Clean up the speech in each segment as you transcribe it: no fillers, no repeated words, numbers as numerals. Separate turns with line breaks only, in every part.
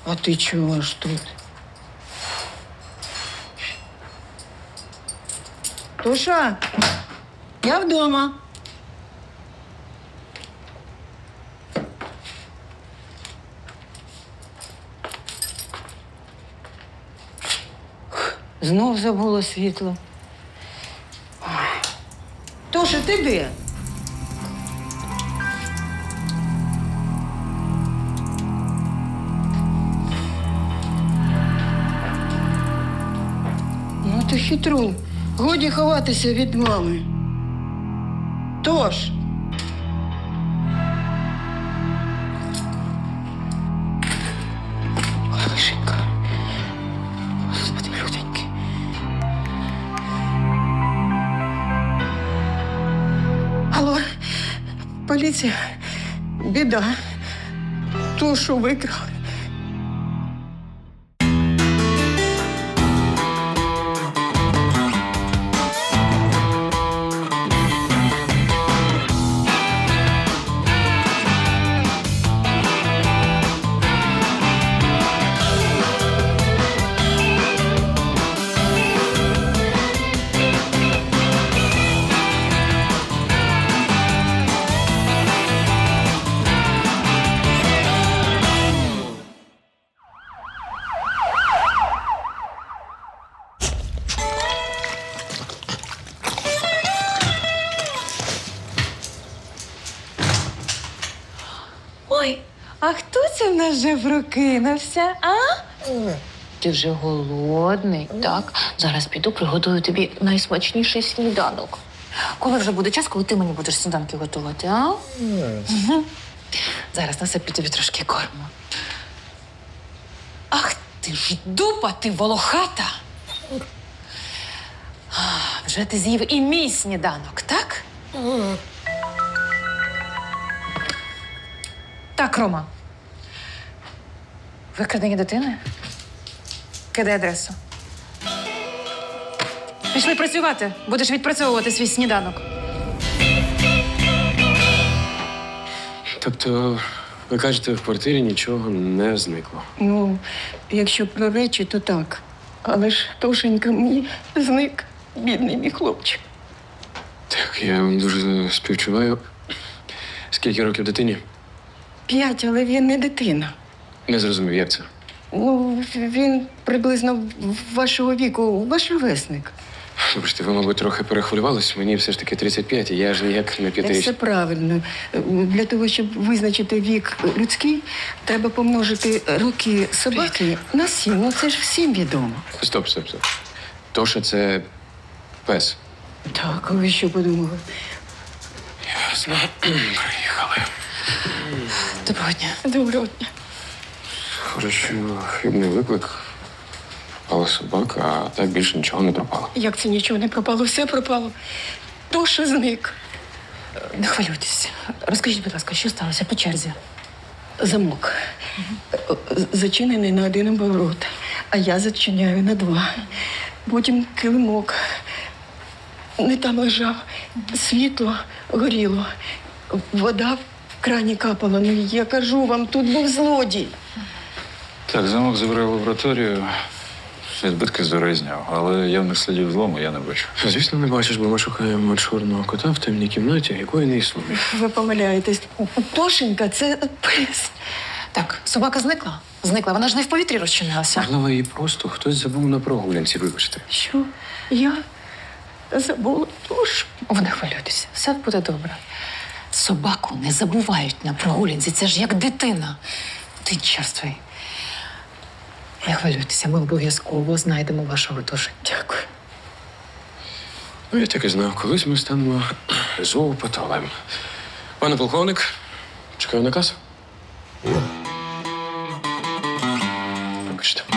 А ти чого ж тут? Тоша, я вдома. Знов забула світло. Тоша, ти де? Ну ти хитрун. Годі ховатися від мами. Тож. Ой, Лишенька. Господи, люденьки. Алло, поліція. Біда. Тошу викрали.
Ой, а хто це в нас вже прокинувся, а?
Ти вже голодний, так? Зараз піду, приготую тобі найсмачніший сніданок. Коли вже буде час, коли ти мені будеш сніданки готувати, а? Зараз насиплю тобі трошки корму. Ах ти ж дупа, ти волохата! Вже ти з'їв і мій сніданок, так? Так, Рома. Викрадення дитини? Кидай адресу. Пішли працювати. Будеш відпрацьовувати свій сніданок.
Тобто, ви кажете, в квартирі нічого не зникло?
Ну, якщо про речі, то так. Але ж Тошенька мені зник, бідний мій хлопчик.
Так, я вам дуже співчуваю. Скільки років дитині?
5, але він не дитина.
Не зрозумів, як це?
Ну, він приблизно вашого віку, ваш ровесник.
Вибачте, ви, мабуть, трохи перехвилювались. Мені все ж таки 35, і я ж ніяк не
Все
п'ятирічний.
правильно. Для того, щоб визначити вік людський, треба помножити роки собаки на 7. Ну, це ж всім відомо.
Стоп. Тоша – це пес.
Так, а ви що подумали?
Ясно. Приїхали.
Доброго дня.
Доброго дня.
Хорошо, хибний виклик. Але собака, а так більше нічого не пропало.
Як це нічого не пропало? Все пропало. Тоша зник.
Не хвилюйтесь. Розкажіть, будь ласка, що сталося по черзі?
Замок. Зачинений на 1 оборот, а я зачиняю на 2. Потім килимок. Не там лежав. Світло горіло. Вода в крані капала. Ну, я кажу вам, тут був злодій.
Так, замок забрав в лабораторію. Всі збитки з дороги зняв, але явних слідів злому я не бачу.
Звісно, не бачиш, бо ми шукаємо чорного кота в темній кімнаті, якої не існує.
Ви помиляєтесь. Тошенька – це пес.
Так, собака зникла? Зникла, вона ж не в повітрі розчинилася.
Можливо, її просто хтось забув на прогулянці, вибачте.
Що? Я забула Тошу.
Ви не хвилюйтеся, все буде добре. Собаку не забувають на прогулянці, це ж як дитина. Ти черствий. Не хвилюйтеся, ми обов'язково знайдемо вашого Тошу.
Дякую.
Ну, я так і знав, колись ми станемо зоопатолем. Пане полковник, чекаю наказ. Вибачте.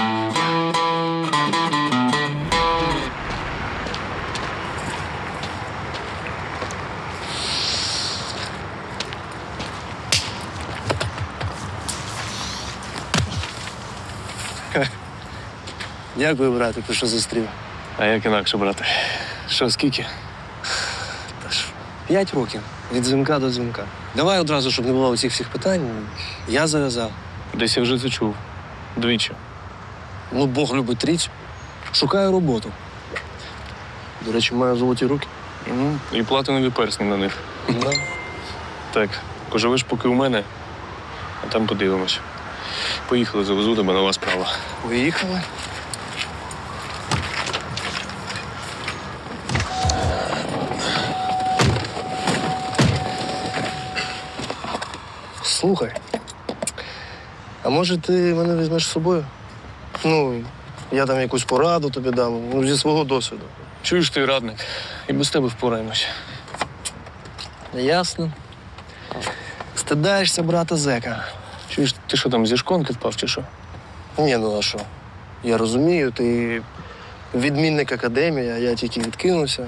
Дякую, брате, ти що зустрів.
А як інакше, брате?
Що, скільки? 5 років. Від дзвінка до дзвінка. Давай одразу, щоб не було усіх всіх питань. Я зав'язав.
Десь я вже це чув. Двічі.
Ну, Бог любить трійцю. Шукаю роботу. До речі, маю золоті руки.
І платинові персні на них.
Да.
Так, поживеш поки у мене, а там подивимось. Поїхали, завезу тебе, нова справа.
Поїхали. Слухай, а може ти мене візьмеш з собою? Ну, я там якусь пораду тобі дам, ну, зі свого досвіду.
Чуєш ти, радник? І без тебе впораємось.
Ясно. Стидаєшся брата зека.
Чуєш, ти що там, зі шконки впав чи що?
Ні, ну а що? Я розумію, ти відмінник академії, а я тільки відкинувся.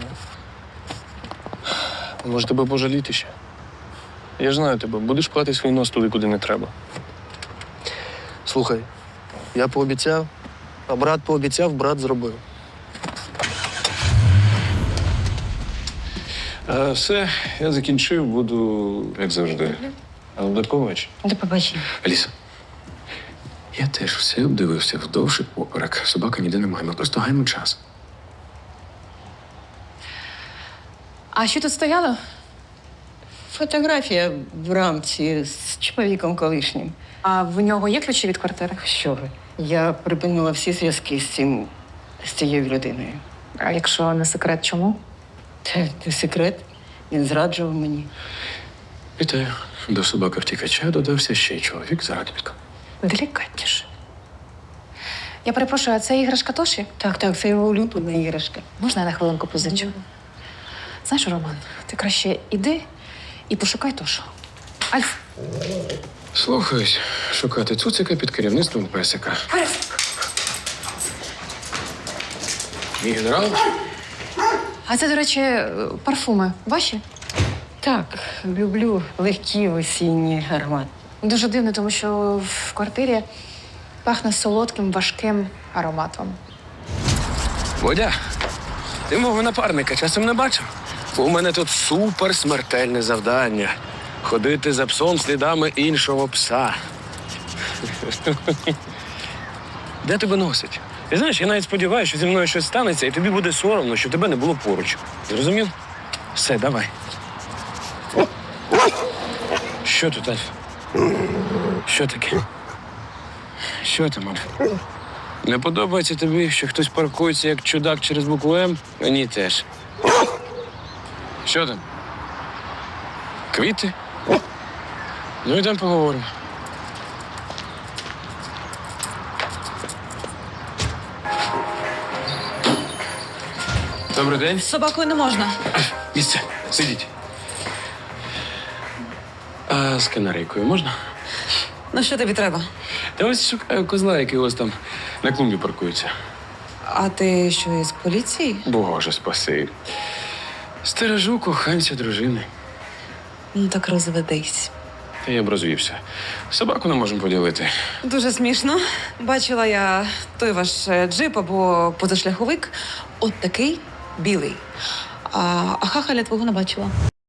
Може тебе пожаліти ще? Я ж знаю тебе, будеш плати свій нос туди, куди не треба.
Слухай, я пообіцяв, а брат пообіцяв, брат зробив.
Все, я закінчив, буду, як завжди. Але до побачення.
До побачення.
Аліса, я теж все обдивився вдовж і поперек. Собаки ніде немає, ми просто гаємо час.
А що тут стояло?
Фотографія в рамці з чоловіком колишнім.
А в нього є ключі від квартири?
Що ви? Я припинила всі зв'язки з цією людиною.
А якщо не секрет, чому?
Це секрет. Він зраджував мені.
Вітаю. До собаки втікача додався ще й чоловік заробітка.
Делікатніше. Я перепрошую, а це іграшка Тоші?
Так, це його улюблена іграшка.
Можна я на хвилинку позичу? Знаєш, Роман, ти краще іди і пошукай Тошу. Альф,
Слухаюсь, шукати цуцика під керівництвом песика. Мій генерал?
а це, до речі, парфуми ваші?
Так, люблю легкі осінні аромати.
Дуже дивно, тому що в квартирі пахне солодким, важким ароматом.
Водя, ти мого напарника часом не бачив? У мене тут супер смертельне завдання. Ходити за псом слідами іншого пса. Де тебе носить? Ти знаєш, я навіть сподіваюся, що зі мною щось станеться, і тобі буде соромно, що тебе не було поруч. Зрозумів? Все, давай. Що тут, Альф? Що таке? Що там, Альф? Не подобається тобі, що хтось паркується як чудак через букву М? Мені теж. Що там? Квіти? Ну, йдемо поговоримо. Добрий день.
З собакою не можна.
Місце, сидіть. А з канарейкою можна?
Ну що тобі треба?
Та ось шукаю козла, який ось там на клумбі паркується.
А ти що, із поліції?
Боже, спаси. Стережу коханця дружини.
Ну так розведись.
Та я б розвівся. Собаку не можемо поділити.
Дуже смішно. Бачила я той ваш джип або позашляховик. От такий білий. А хахаля твого не бачила.